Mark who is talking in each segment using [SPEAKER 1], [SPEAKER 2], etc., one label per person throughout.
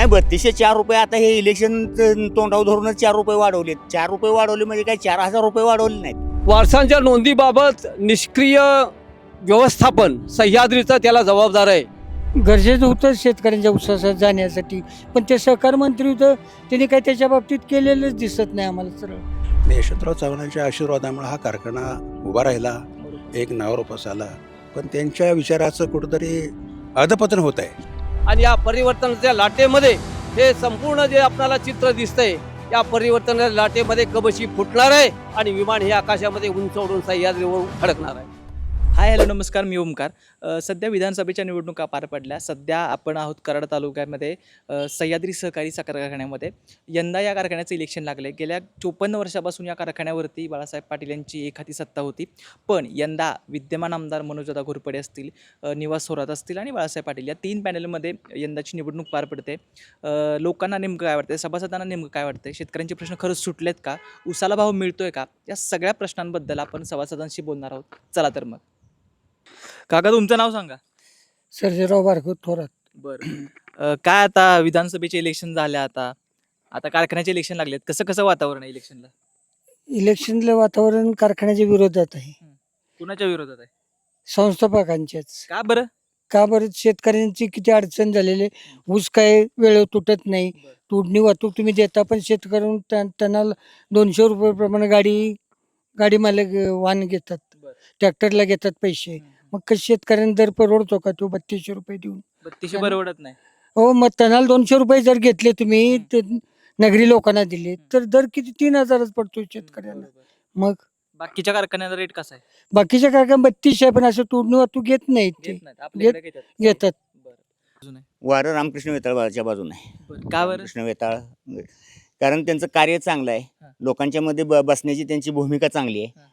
[SPEAKER 1] नाही 3204 आता हे इलेक्शन तोंडावर धरूनच 4 वाढवलेत. 4 वाढवले म्हणजे काय 4000 वाढवले नाहीत.
[SPEAKER 2] वारसांच्या नोंदीबाबत निष्क्रिय व्यवस्थापन सह्याद्रीचा त्याला जबाबदार आहे.
[SPEAKER 3] गरजेचं होतं शेतकऱ्यांच्या उसासात जाण्यासाठी, पण ते सहकार मंत्री होतं, त्यांनी काही त्याच्या बाबतीत केलेलंच दिसत नाही आम्हाला सरळ.
[SPEAKER 4] यशवंतराव चव्हाणांच्या आशीर्वादामुळे हा कारखाना उभा राहिला, एक नावारूपास आला. पण त्यांच्या विचाराचं कुठंतरी अधपतन होत आहे.
[SPEAKER 2] आणि या परिवर्तनाच्या लाटेमध्ये हे संपूर्ण जे आपल्याला चित्र दिसतंय, या परिवर्तनाच्या लाटेमध्ये कबशी फुटणार आहे आणि विमान हे आकाशामध्ये उंच उडून सह्याद्रीवर खडकणार आहे.
[SPEAKER 5] हाय हॅलो नमस्कार, मी ओमकार. सध्या विधानसभेच्या निवडणुका पार पडल्या. सध्या आपण आहोत कराड तालुक्यामध्ये सह्याद्री सहकारी साखर कारखान्यामध्ये. यंदा या कारखान्याचं इलेक्शन लागले. गेल्या 54 वर्षापासून या कारखान्यावरती बाळासाहेब पाटील यांची एखादी सत्ता होती. पण यंदा विद्यमान आमदार मनोजदादा घोरपडे असतील, निवास थोरात असतील आणि बाळासाहेब पाटील या 3 पॅनलमध्ये यंदाची निवडणूक पार पडते. लोकांना नेमकं काय वाटतं, सभासदांना नेमकं काय वाटतं, शेतकऱ्यांचे प्रश्न खरंच सुटलेत का, उसाला भाव मिळतोय का, या सगळ्या प्रश्नांबद्दल आपण सभासदांशी बोलणार आहोत. चला तर मग. काका तुमचं नाव सांगा.
[SPEAKER 3] सर्जेराव बारकत थोरात.
[SPEAKER 5] बरं. काय आता विधानसभेचे इलेक्शन झाले, आता कारखान्याचे इलेक्शन लागलेत. कसं वातावरण आहे इलेक्शनला?
[SPEAKER 3] इलेक्शनलं वातावरण कारखान्याच्या विरोधात आहे,
[SPEAKER 5] कुणाच्या विरोधात आहे?
[SPEAKER 3] संस्थापकांच्याच.
[SPEAKER 5] का बरं?
[SPEAKER 3] का बरं? शेतकऱ्यांची किती अडचण झालेली आहे. ऊस काय वेळेवर तुटत नाही, तोडणी वाहतूक तुम्ही देता, पण शेतकऱ्यांना त्यांना 200 रुपये प्रमाणे गाडी मालक वाहन घेतात, ट्रॅक्टरला घेतात पैसे. मग शेतकऱ्यांना दर परवडतो का तो 3200 रुपये देऊन?
[SPEAKER 5] 3200 परवडत नाही.
[SPEAKER 3] हो, मग त्यांना 200 रुपये जर घेतले तुम्ही, ते नगरी लोकांना दिले तर दर किती 3000च पडतो शेतकऱ्यांना. मग
[SPEAKER 5] बाकीच्या कारखान्याचा रेट कसा आहे?
[SPEAKER 3] बाकीच्या कारखान्यात 3200 आहे, पण असं तोडणी वाहतूक घेत नाहीत ते.
[SPEAKER 5] घेत नाहीत, आपल्याकडे घेतात.
[SPEAKER 3] घेतात.
[SPEAKER 5] बरं. अजून आहे?
[SPEAKER 1] वारं रामकृष्ण वेताळच्या बाजूने आहे.
[SPEAKER 5] बरं. का बरं?
[SPEAKER 1] कृष्ण वेताळ, कारण त्यांचं कार्य चांगलं आहे.
[SPEAKER 5] हां.
[SPEAKER 1] लोकांच्या मध्ये बसण्याची त्यांची भूमिका चांगली आहे.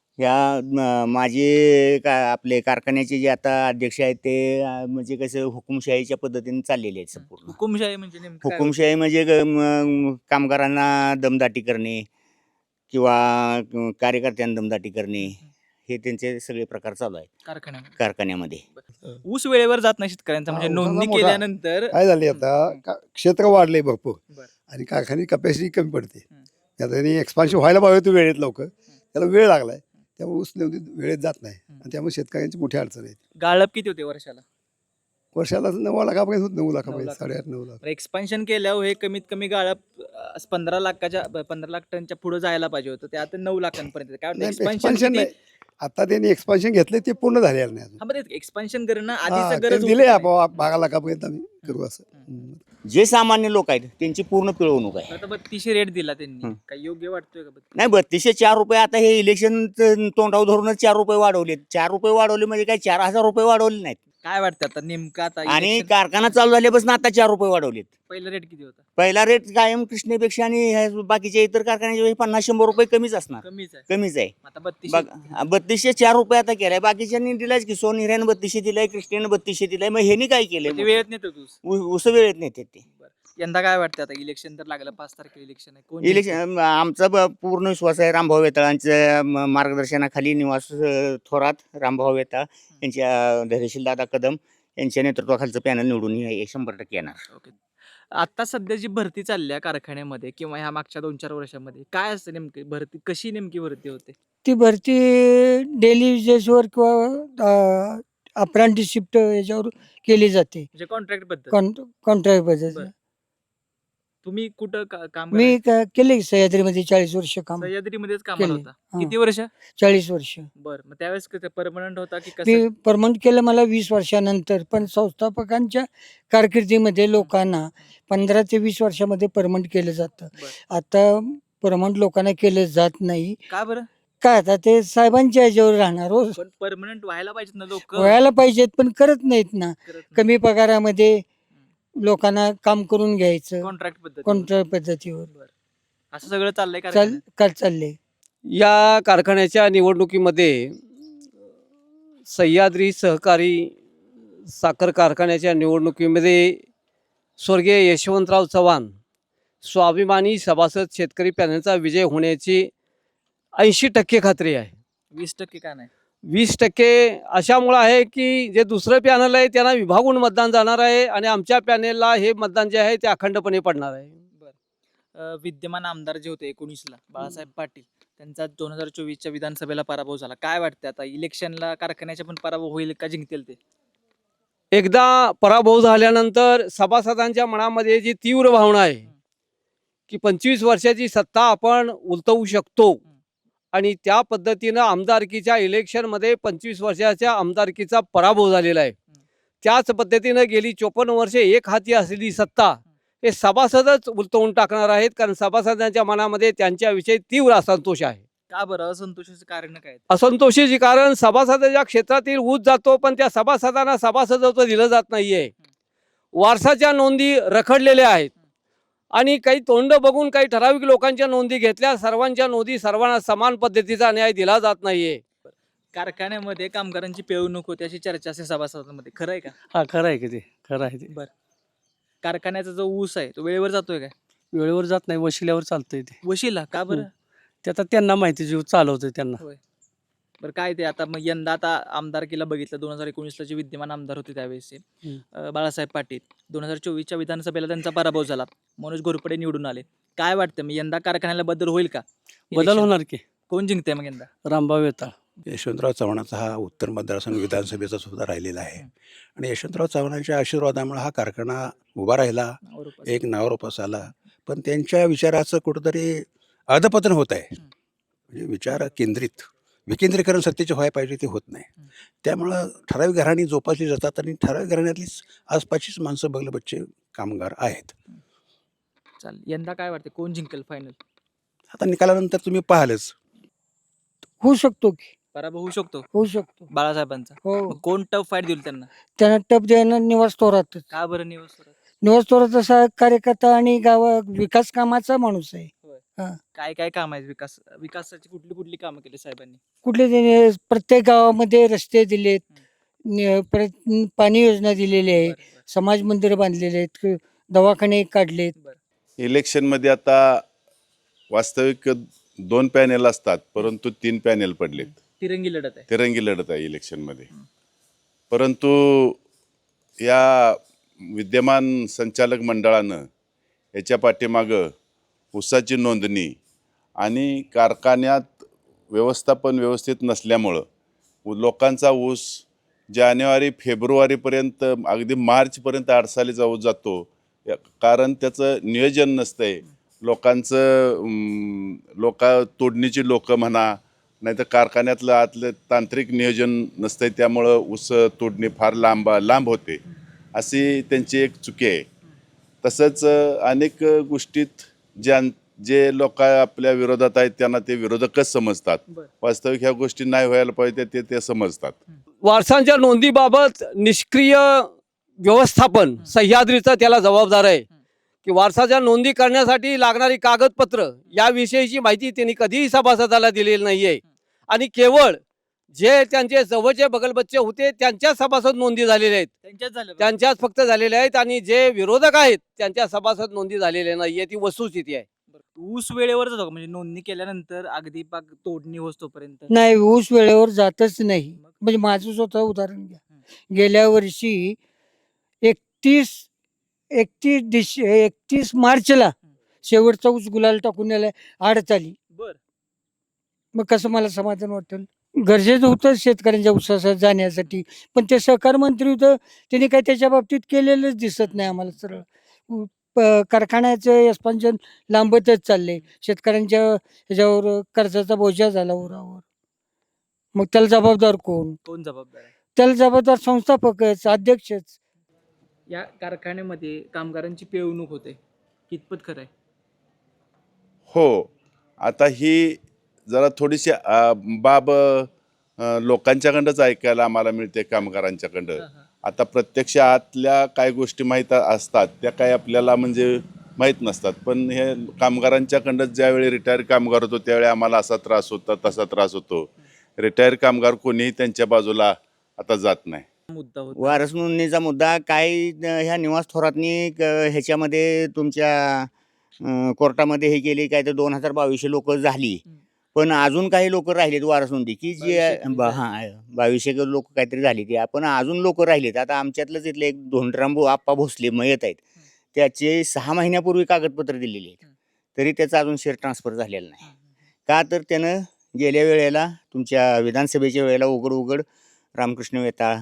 [SPEAKER 1] ह्या माझे आपले कारखान्याचे जे आता अध्यक्ष आहेत ते म्हणजे कसं हुकुमशाहीच्या पद्धतीने चाललेले आहेत संपूर्ण.
[SPEAKER 5] हुकुमशाही म्हणजे नेमकं काय?
[SPEAKER 1] हुकुमशाही म्हणजे कामगारांना दमदाटी करणे किंवा कार्यकर्त्यांना दमदाटी करणे, हे त्यांचे सगळे प्रकार चालू आहेत कारखान्यामध्ये.
[SPEAKER 5] ऊस वेळेवर जात नाही शेतकऱ्यांचा, म्हणजे
[SPEAKER 6] हा,
[SPEAKER 5] नोंदणी
[SPEAKER 6] मोठा.
[SPEAKER 5] केल्यानंतर
[SPEAKER 6] काय झाले आता क्षेत्र वाढले भरपूर
[SPEAKER 5] बरं.
[SPEAKER 6] आणि कारखान्याची कपॅसिटी कमी पडते. आता त्यांनी एक्सपान्शन व्हायला पाहिजे होतं वेळेत, लवकर त्याला वेळ लागलाय, त्यामुळे ऊस वेळेत जात नाही आणि त्यामुळे शेतकऱ्यांची मोठी अडचण आहे.
[SPEAKER 5] गाळप किती होते वर्षाला?
[SPEAKER 6] वर्षाला 9 लाखापर्यंत होत, 9 लाखापर्यंत,
[SPEAKER 5] 9
[SPEAKER 6] 8.5-9 लाख.
[SPEAKER 5] एक्सपान्शन केल्यावर हे कमीत कमी गाळप 15 लाख टनच्या पुढे जायला पाहिजे होतं. ते आता 9 लाखांपर्यंत. काय वाटतं
[SPEAKER 6] नाही,
[SPEAKER 5] एक्सपान्शन
[SPEAKER 6] एक्सपान्शन नाही. आता त्यांनी एक्सपान्शन घेतले, ते पूर्ण झालेलं नाही अजून.
[SPEAKER 5] एक्सपान्शन करणं
[SPEAKER 6] हा,
[SPEAKER 5] आधीच
[SPEAKER 6] ते
[SPEAKER 5] गरज
[SPEAKER 6] दिले
[SPEAKER 5] होती.
[SPEAKER 6] आपण 12 लाखापर्यंत आम्ही करू असं.
[SPEAKER 1] जे सामान्य लोक आहेत त्यांची पूर्ण पिळवणूक आहे.
[SPEAKER 5] आता 3200 रेट दिला त्यांनी, काय योग्य वाटतोय का?
[SPEAKER 1] नाही 3204 आता हे इलेक्शन तोंडावर धरूनच 4 वाढवलेत. 4 वाढवले म्हणजे काय 4000 वाढवले नाहीत.
[SPEAKER 5] काय वाटतं आता नेमकं आता
[SPEAKER 1] आणि
[SPEAKER 5] election-
[SPEAKER 1] कारखाना चालू झाल्यापासून आता 4 वाढवलेत.
[SPEAKER 5] पहिला रेट किती होता?
[SPEAKER 1] पहिला रेट कायम कृष्णेपेक्षा आणि ह्या बाकीच्या इतर कारखान्याच्या 50-100 रुपये कमीच असणार,
[SPEAKER 5] कमीच आहे.
[SPEAKER 1] कमीच आहे.
[SPEAKER 5] आता 3200
[SPEAKER 1] 3204 आता केलाय. बाकीच्यांनी दिलायच की सोन हिऱ्यानं 3200 दिलाय, कृष्णेनं 3200 दिलाय. मग ह्यांनी काय
[SPEAKER 5] ते
[SPEAKER 1] केलंय?
[SPEAKER 5] वेळेत नेतो तू.
[SPEAKER 1] उस वेळेत नेते ते.
[SPEAKER 5] यंदा काय वाटतं आता इलेक्शन तर लागलं, 5 तारखेला इलेक्शन आहे, कोण
[SPEAKER 1] इलेक्शन आमचा पूर्ण विश्वास आहे रामभाऊ वेताळांच्या मार्गदर्शनाखाली, निवास थोरात, रामभाऊ वेताळ यांच्या धैर्यशील दादा कदम यांच्या नेतृत्वाखालचं पॅनल निवडून 100% येणार.
[SPEAKER 5] ओके. आता सध्या जी भरती चालली आहे कारखान्यामध्ये किंवा ह्या मागच्या 2-4 वर्षामध्ये, काय असतं नेमकी भरती, कशी नेमकी भरती होते?
[SPEAKER 3] ती भरती डेली वेजेसवर किंवा अप्रेंटिसशिप याच्यावर केली जाते,
[SPEAKER 5] म्हणजे कॉन्ट्रॅक्ट बद्दल.
[SPEAKER 3] Contract basis.
[SPEAKER 5] बरं. तुम्ही कुठं काम
[SPEAKER 3] मी केले सह्याद्रीमध्ये 40 वर्ष काम
[SPEAKER 5] सह्याद्रीमध्येच कामाला
[SPEAKER 3] केले.
[SPEAKER 5] होता?
[SPEAKER 3] हा.
[SPEAKER 5] किती वर्ष?
[SPEAKER 3] 40 वर्ष
[SPEAKER 5] बरं. मग त्यावेळेस परमनंट होता की कसं?
[SPEAKER 3] मी परमनंट केलं मला 20 वर्षानंतर, पण संस्थापकांच्या कारकिर्दीमध्ये लोकांना 15 ते 20 वर्षामध्ये परमनंट केलं जातं.
[SPEAKER 5] बरं.
[SPEAKER 3] आता परमनंट लोकांना केलं जात नाही.
[SPEAKER 5] का बरं?
[SPEAKER 3] काय आता ते साहेबांच्या ह्याच्यावर राहणार हो.
[SPEAKER 5] पण परमनंट व्हायला पाहिजेत ना लोक.
[SPEAKER 3] व्हायला पाहिजेत, पण करत नाहीत ना. कमी पगारामध्ये लोकांना काम करून घ्यायचं
[SPEAKER 5] कॉन्ट्रॅक्ट पद्धती.
[SPEAKER 3] कॉन्ट्रॅक्ट पद्धतीवर
[SPEAKER 5] असं सगळं चाललंय
[SPEAKER 3] चालले.
[SPEAKER 2] या कारखान्याच्या निवडणुकीमध्ये सह्याद्री सहकारी साखर कारखान्याच्या निवडणुकीमध्ये स्वर्गीय यशवंतराव चव्हाण स्वाभिमानी सभासद शेतकरी पॅनलचा विजय होण्याची 80% खात्री आहे.
[SPEAKER 5] 20% का नाही?
[SPEAKER 2] 20% अशामुळं आहे की जे दुसरं पॅनल आहे त्यांना विभागून मतदान जाणार आहे आणि आमच्या पॅनेलला हे मतदान जे आहे ते अखंडपणे पडणार आहे.
[SPEAKER 5] विद्यमान आमदार जे होते 19ला बाळासाहेब पाटील त्यांचा 2024च्या विधानसभेला पराभव झाला. काय वाटतं आता इलेक्शनला कारखान्याचा पण पराभव होईल का जिंकतील ते?
[SPEAKER 2] एकदा पराभव झाल्यानंतर सभासदांच्या मनामध्ये जी तीव्र भावना आहे की 25 वर्षाची सत्ता आपण उलटवू शकतो आणि त्या पद्धतीनं आमदारकीच्या इलेक्शनमध्ये 25 वर्षाच्या आमदारकीचा पराभव झालेला आहे. त्याच पद्धतीनं गेली 54 वर्षे एक हाती असलेली सत्ता हे सभासदच उलटवून टाकणार आहेत, कारण सभासदांच्या मनामध्ये त्यांच्याविषयी तीव्र असंतोष आहे.
[SPEAKER 5] का बरं असंतोषाचं कारण काय?
[SPEAKER 2] असंतोषीचे कारण सभासदाच्या क्षेत्रातील ऊस जातो पण त्या सभासदांना सभासदत्व दिलं जात नाहीये. वारसाच्या नोंदी रखडलेल्या आहेत आणि काही तोंड बघून काही ठराविक लोकांच्या नोंदी घेतल्या, सर्वांच्या नोंदी सर्वांना समान पद्धतीचा न्याय दिला जात नाहीये.
[SPEAKER 5] कारखान्यामध्ये कामगारांची पिळवणूक होते अशी चर्चा असते सभासदांमध्ये, खरं आहे का?
[SPEAKER 7] हा खरं आहे की ते खरं आहे ते.
[SPEAKER 5] कारखान्याचा जो ऊस आहे तो वेळेवर जातोय का?
[SPEAKER 7] वेळेवर जात नाही, वशिल्यावर चालतंय ते.
[SPEAKER 5] वशिला का बरं?
[SPEAKER 7] ते आता त्यांना माहिती जीव चालवतोय त्यांना.
[SPEAKER 5] बरं काय ते आता मग यंदा आता आमदारकीला बघितलं 2019ला जे विद्यमान आमदार होते त्यावेळेसचे बाळासाहेब पाटील, 2024च्या विधानसभेला त्यांचा पराभव झाला, मनोज घोरपडे निवडून आले. काय वाटतं मग यंदा कारखान्याला बदल होईल का?
[SPEAKER 7] बदल
[SPEAKER 5] Election?
[SPEAKER 7] होणार की.
[SPEAKER 5] कोण जिंकते मग यंदा?
[SPEAKER 7] रामभाऊ वेताळ.
[SPEAKER 4] यशवंतराव चव्हाणाचा हा उत्तर मतदारसंघ विधानसभेचा सुद्धा राहिलेला आहे आणि यशवंतराव चव्हाणांच्या आशीर्वादामुळे हा कारखाना उभा राहिला, एक नावारूपास आला. पण त्यांच्या विचाराचं कुठंतरी अधपतन होत आहे. म्हणजे विचार केंद्रित विकेंद्रीकरण सत्तेचे व्हायला पाहिजे ते होत नाही. त्यामुळं ठराविक घराणी जोपासली जातात आणि ठराविक घराण्यातलीच आसपासचीच माणसं बगल बच्चे कामगार आहेत.
[SPEAKER 5] चालेल, यंदा काय वाटतं कोण जिंकेल फायनल?
[SPEAKER 4] आता निकालानंतर तुम्ही पाहालच.
[SPEAKER 3] होऊ शकतो की,
[SPEAKER 5] पराभव होऊ शकतो
[SPEAKER 3] होऊ शकतो.
[SPEAKER 5] बाळासाहेबांचा.
[SPEAKER 3] हो,
[SPEAKER 5] मग कोण टफ फाईट देईल त्यांना?
[SPEAKER 3] त्यांना टप देणार निवास थोरातच.
[SPEAKER 5] का बरं निवस?
[SPEAKER 3] निवास थोरात असा कार्यकर्ता आणि गावा विकास कामाचा माणूस आहे.
[SPEAKER 5] काय काय काम आहेत? विकासाची कुठली कुठली कामं केली साहेबांनी?
[SPEAKER 3] कुठले त्याने प्रत्येक गावामध्ये रस्ते दिलेत, पाणी योजना दिलेली आहे, समाज मंदिर बांधलेले आहेत, दवाखाने काढलेत.
[SPEAKER 8] इलेक्शनमध्ये आता वास्तविक 2 पॅनेल असतात परंतु 3 पॅनेल पडलेत.
[SPEAKER 5] तिरंगी लढत आहे.
[SPEAKER 8] तिरंगी लढत आहे इलेक्शनमध्ये. परंतु या विद्यमान संचालक मंडळानं याच्या पाठीमागं ऊसाची नोंदणी आणि कारखान्यात व्यवस्थापन व्यवस्थित नसल्यामुळं लोकांचा ऊस जानेवारी फेब्रुवारीपर्यंत अगदी मार्चपर्यंत अडसाली जातो. कारण त्याचं नियोजन नसतं आहे. तोडणीची लोकं म्हणा, नाही तर कारखान्यातलं आतलं तांत्रिक नियोजन नसतं आहे, त्यामुळं ऊस तोडणी फार लांब होते, अशी त्यांची एक चुकी आहे. तसंच अनेक गोष्टीत जे लोक आपल्या विरोधात आहेत त्यांना ते विरोधकच समजतात. वास्तविक ह्या गोष्टी नाही व्हायला पाहिजे ते समजतात.
[SPEAKER 2] वारसांच्या नोंदीबाबत निष्क्रिय व्यवस्थापन सह्याद्रीचं त्याला जबाबदार आहे की वारसाच्या नोंदी करण्यासाठी लागणारी कागदपत्र याविषयीची माहिती त्यांनी कधीही सभासदाला दिलेली नाहीये आणि केवळ जे त्यांचे जवळचे बगलबच्चे होते त्यांच्या सभासद नोंदी झालेल्या आहेत, त्यांच्याच फक्त झालेल्या आहेत आणि जे विरोधक आहेत त्यांच्या सभासद नोंदी झालेल्या नाहीये. ती वस्तुस्थिती आहे.
[SPEAKER 5] ऊस वेळेवर जातो का? म्हणजे नोंदणी केल्यानंतर अगदी पाक तोडणी होतोपर्यंत?
[SPEAKER 3] नाही, ऊस वेळेवर जातच नाही. म्हणजे माझं स्वतः उदाहरण घ्या. गेल्या वर्षी 31 मार्चला शेवटचा ऊस गुलाल टाकून यायला आडत आली. मग कसं मला समाधान वाटेल? गरजेचं होतं शेतकऱ्यांच्या ऊसासाठी जाण्यासाठी, पण ते सहकार मंत्री होतं, त्यांनी काही त्याच्या बाबतीत केलेलंच दिसत नाही आम्हाला. सरळ कारखान्याचं एक्सपान्शन लांबतच चाललंय. शेतकऱ्यांच्या ह्याच्यावर कर्जाचा बोजा झाला उरावर. मग त्याला जबाबदार कोण?
[SPEAKER 5] कोण जबाबदार आहे?
[SPEAKER 3] त्याला जबाबदार संस्थापकच, अध्यक्षच.
[SPEAKER 5] या कारखान्यामध्ये कामगारांची पिळवणूक होते, कितपत खरं आहे?
[SPEAKER 8] हो, आता ही जरा थोडीशी बाब लोकांच्याकडंच ऐकायला आम्हाला मिळते, कामगारांच्याकडं. आता प्रत्यक्ष आतल्या काय गोष्टी माहीत असतात त्या काय आपल्याला म्हणजे माहीत नसतात. पण हे कामगारांच्याकडंच ज्यावेळी रिटायर कामगार होतो त्यावेळी आम्हाला असा त्रास होता, तसा त्रास होतो. रिटायर कामगार कोणीही त्यांच्या बाजूला आता जात नाही.
[SPEAKER 5] मुद्दा होता
[SPEAKER 1] वारस नोंदणीचा मुद्दा काय ह्या निवास थोरातनी ह्याच्यामध्ये तुमच्या कोर्टामध्ये हे केली काय तर 2022 लोक झाली पण अजून काही लोक राहिलेत वारसुंदी की जे
[SPEAKER 5] 2200
[SPEAKER 1] हां 2200 लोक काहीतरी झाली ती पण अजून लोक राहिलेत. आता आमच्यातलंच इथले एक धोंडराम आप्पा भोसले मयत आहेत. त्याचे 6 महिन्यापूर्वी कागदपत्र दिलेली आहेत. तरी त्याचा अजून शेअर ट्रान्सफर झालेला नाही. का तर त्यानं गेल्या वेळेला तुमच्या विधानसभेच्या वेळेला उघड रामकृष्ण वेताळ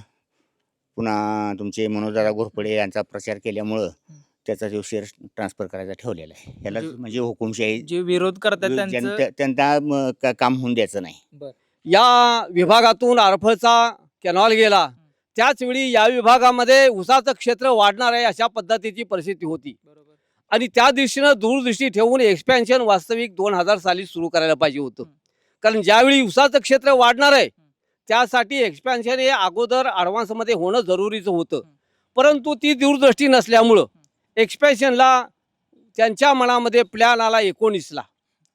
[SPEAKER 1] पुन्हा तुमचे मनोजदादा घोरपडे यांचा प्रचार केल्यामुळं त्याचा जो शेअर ट्रान्सफर करायचा ठेवलेला आहे. याला म्हणजे हुकुमशाही
[SPEAKER 5] जे विरोध करतात त्यांचं
[SPEAKER 1] त्यांना काम होऊन द्यायचं नाही.
[SPEAKER 2] या विभागातून आरफळचा कॅनॉल गेला त्याच वेळी या विभागामध्ये ऊसाचं क्षेत्र वाढणार आहे अशा पद्धतीची परिस्थिती होती. आणि त्या दिशेनं दूरदृष्टी ठेवून एक्सपॅन्शन वास्तविक 2000 साली सुरू करायला पाहिजे होतं. कारण ज्यावेळी ऊसाचं क्षेत्र वाढणार आहे त्यासाठी एक्सपॅन्शन हे अगोदर ॲडव्हान्समध्ये होणं जरुरीचं होतं. परंतु ती दूरदृष्टी नसल्यामुळं एक्सपॅन्शनला त्यांच्या मनामध्ये प्लॅन आला 19ला.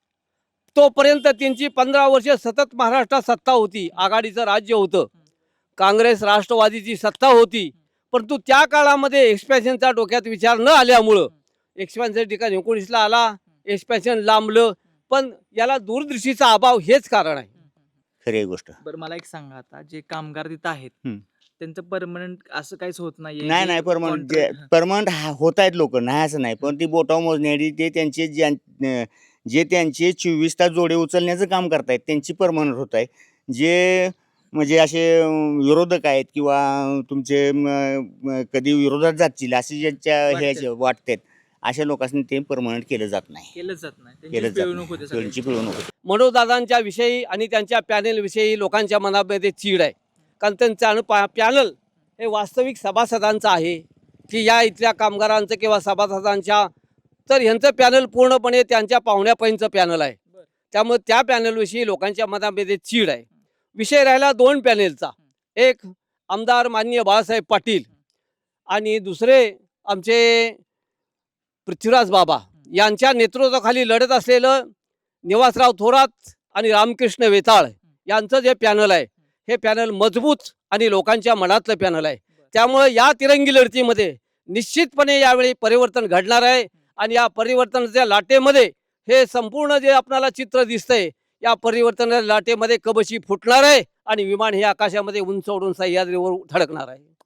[SPEAKER 2] तोपर्यंत त्यांची 15 वर्षे सतत महाराष्ट्रात सत्ता होती. आघाडीचं राज्य होतं. काँग्रेस राष्ट्रवादीची सत्ता होती. परंतु त्या काळामध्ये एक्सपॅन्शनचा डोक्यात विचार न आल्यामुळं एक्सपॅन्शन ठिकाणी 19ला आला. एक्सपॅन्शन लांबलं. पण याला दूरदृष्टीचा अभाव हेच कारण आहे.
[SPEAKER 1] खरी गोष्ट.
[SPEAKER 5] बरं मला एक सांगा, आता जे कामगार तिथं आहेत
[SPEAKER 1] हं.
[SPEAKER 5] त्यांचं परमनंट असं काहीच होत नाहीये?
[SPEAKER 1] नाही
[SPEAKER 5] जे
[SPEAKER 1] परमनंट
[SPEAKER 5] contract-
[SPEAKER 1] परमनंट होत आहेत लोक नाही असं नाही. पण ती बोटावर मोजण्याची ते त्यांचे जे त्यांचे 24 तास जोडे उचलण्याचं काम करतायत त्यांची परमनंट होत आहे. जे म्हणजे असे विरोधक आहेत किंवा तुमचे कधी विरोधात जातील असे ज्यांच्या हे वाटतात अशा लोकांनी ते परमनंट केलं जात नाही.
[SPEAKER 5] केलंच जात नाही.
[SPEAKER 1] केलं
[SPEAKER 5] त्यांची
[SPEAKER 1] जात
[SPEAKER 5] पिळवणूक होते
[SPEAKER 1] नाही.
[SPEAKER 5] सगळी.
[SPEAKER 1] त्यांची पिळवणूक होते.
[SPEAKER 2] मनोजदादांच्या विषयी आणि त्यांच्या पॅनेलविषयी लोकांच्या मनामध्ये चीड आहे. कारण त्यांचं पॅनल हे वास्तविक सभासदांचं आहे की या इथल्या कामगारांचं किंवा सभासदांच्या, तर ह्यांचं पॅनल पूर्णपणे त्यांच्या पाहुण्यापैंचं पॅनल आहे. त्यामुळे त्या पॅनलविषयी लोकांच्या मनामध्ये चीड आहे. विषय राहिला 2 पॅनेलचा. एक आमदार माननीय बाळासाहेब पाटील आणि दुसरे आमचे पृथ्वीराज बाबा यांच्या नेतृत्वाखाली लढत असलेलं निवासराव थोरात आणि रामकृष्ण वेताळ यांचं जे पॅनल आहे हे पॅनल मजबूत आणि लोकांच्या मनातलं पॅनल आहे. त्यामुळे या तिरंगी लढतीमध्ये निश्चितपणे यावेळी परिवर्तन घडणार आहे. आणि या परिवर्तनाच्या लाटेमध्ये हे संपूर्ण जे आपल्याला चित्र दिसतंय या परिवर्तनाच्या लाटेमध्ये कबशी फुटणार आहे आणि विमान हे आकाशामध्ये उंच उडून सह्याद्रीवर धडकणार आहे.